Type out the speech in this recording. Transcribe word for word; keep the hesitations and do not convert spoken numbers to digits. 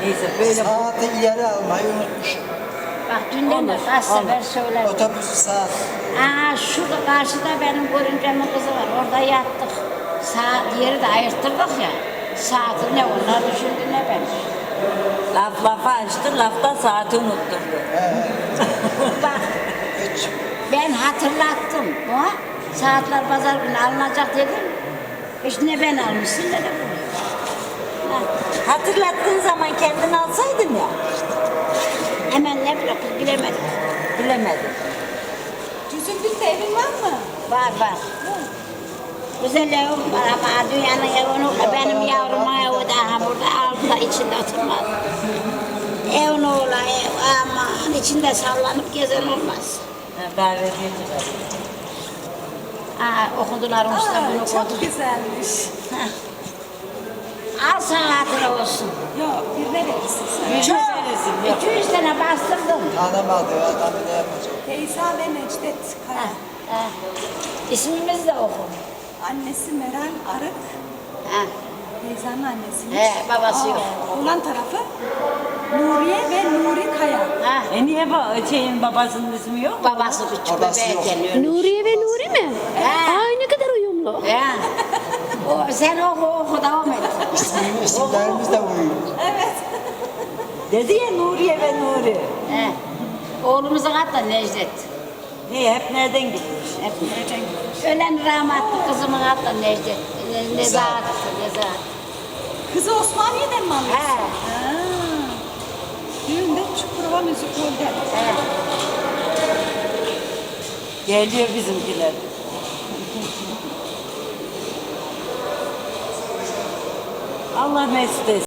Neyse böyle Saati ileri almayı unutmuşum. Bak dünden de kaç sefer söyledim. Otobüsü saat. Aa şurada karşıda benim görümcemin kızı var. Orada yattık. Saat yeri de ayırttırdık ya. Saati ne onlar düşündü ne ben. laf lafa açtı, lafta saati unutturdu. Bak Hiç. ben hatırlattım. O saatler pazar günü alınacak dedim. Hiç ne ben almışsın ne de bu. Ha, Hatırlattığın zaman kendin alsaydın ya. hemen ne bileyim bilemedim. Bilemedim. Cüzündükte evin var mı? Var var. Güzel evim var ama dünyanın evini benim yavrum evi daha burada altında içinde oturmaz. Evin oğlu ev aman içinde sallanıp gezen olmaz. Ha, davet edilir. Aa, okudular usta bunu Aa, çok okudu. güzelmiş. Heh. Al sana hatıra olsun. Yok, birine verirsin sen. Yüz Çok. verirsin, yok. iki yüz tane bastırdım. Tanımadı adamı ne yapacak? Teyza ve Necdet Kaya. Ha, ha. İsmimizi de oku. Annesi Meral Arık. Ha. Teyzenin annesiymiş. He, babası yok. Oğlan tarafı Nuriye ve Nuri Kaya. Ha. E niye ba şeyin babasının ismi yok? Babası küçük Babası bebeğe yok. geliyor. Nuriye ve Nuri mi? He. Ay ne kadar uyumlu. Ya. O, sen oku oku devam et. İsim, isimlerimiz de uyuyor. Dedi ya Nuriye ve Nuri. He. Oğlumuzun adı da Necdet. Niye hep nereden gitmiş? Hep nereden gitmiş? Ölen rahmetli kızımın adı da Necdet. Ne- Nezahat. Nezahat. Kızı Osmaniye'den mi alıyorsun? He. Ha. Düğünde Çukurova Müzikol'de. He. Geliyor bizimkiler. Allah mesut etsin.